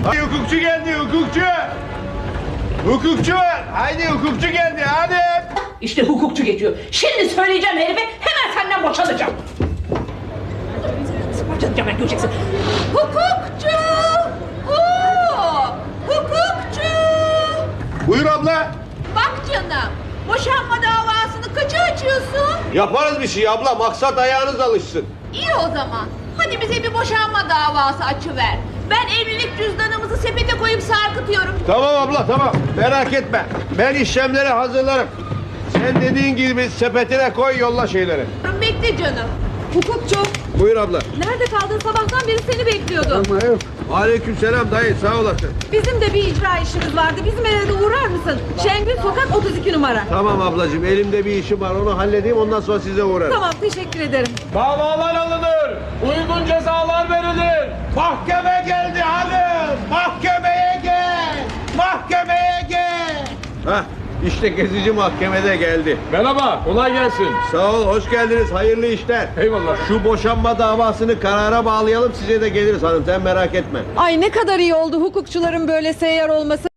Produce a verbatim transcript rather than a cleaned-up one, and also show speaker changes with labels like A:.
A: Hadi hukukçu geldi hukukçu. Hukukçu var. Haydi hukukçu geldi hadi.
B: İşte hukukçu geçiyor. Şimdi söyleyeceğim herife, hemen senden boşanacağım. Boşanacağım, ben göreceksin. Hukukçu! Oo! Hukukçu!
A: Buyur abla.
B: Bak canım, boşanma davasını kaça açıyorsun?
A: Yaparız bir şey abla. Maksat ayağınız alışsın.
B: İyi o zaman. Hadi bize bir boşanma davası açıver. Ben evlilik cüzdanımızı sepete koyup sarkıtıyorum.
A: Tamam abla tamam. Merak etme. Ben işlemleri hazırlarım. Sen dediğin gibi sepetine koy yolla şeyleri.
B: Bekle canım. Hukukçu,
A: Buyur abla.
B: nerede kaldın? Sabahtan beri seni bekliyordum.
A: Aleykümselam dayı sağ olasın.
B: Bizim de bir icra işimiz vardı. Bizim eve de uğrar mısın? Şengül Sokak otuz iki numara.
A: Tamam ablacığım elimde bir işim var onu halledeyim ondan sonra size uğrarım.
B: Tamam, teşekkür ederim.
C: Davalar alınır. Uygun cezalar verilir.
A: Mahkeme geldi hanım. Mahkemeye gel. Mahkemeye gel. Hah işte gezici mahkemede geldi.
C: Merhaba, kolay gelsin.
A: Sağ ol hoş geldiniz hayırlı işler.
C: Eyvallah.
A: Şu boşanma davasını karara bağlayalım size de geliriz hanım sen merak etme.
D: Ay ne kadar iyi oldu hukukçuların böyle seyyar olması.